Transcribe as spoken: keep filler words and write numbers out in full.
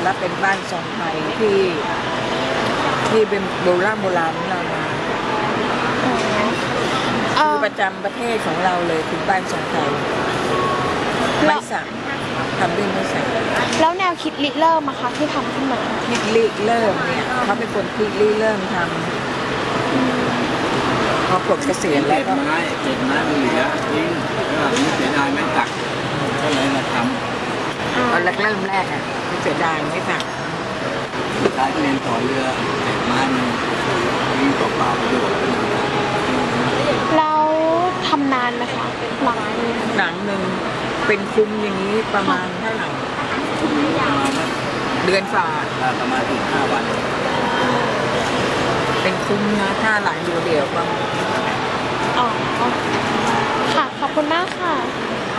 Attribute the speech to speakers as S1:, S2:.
S1: และเป็นบ้านทรงไทยที่ที่เป็นโบราณโบราณของเรามาคือประจำประเทศของเราเลยคือบ้านทรงไทยไม่สั่งทำด้วยไม่สั่ง
S2: แล้วแนวคิดริเริ่มอะคะที่ทำขึ้นมา
S1: คิดริเริ่มเนี่ยเขาเป็นคนคิดริเริ่มทำพอปลดเกษียณแล้วก็
S3: ไม้เจ็ดไม้มันเหลือทิ้งก็ไม่เสียดายไม่ตักก็เลยมาท
S1: ำตอนแรกเริ่มแรกอ่ะไม่เสียดายไม่ตัก
S3: ใช้เรียนต่อเรือเจ็ดไม้มันทิ้งเปล่าๆประโยชน์
S2: แล้วทำนานไหมคะหลัง
S1: หนังหนึ่งเป็นคุ้มอย่างนี้ประมาณเท่าไหร่เดือนฝ่า
S3: ประมาณถึงห้าวัน
S1: เป็นคุ้มนะถ้าหลังเดียวๆก็
S2: อ๋อค่ะขอบคุณมากค่ะ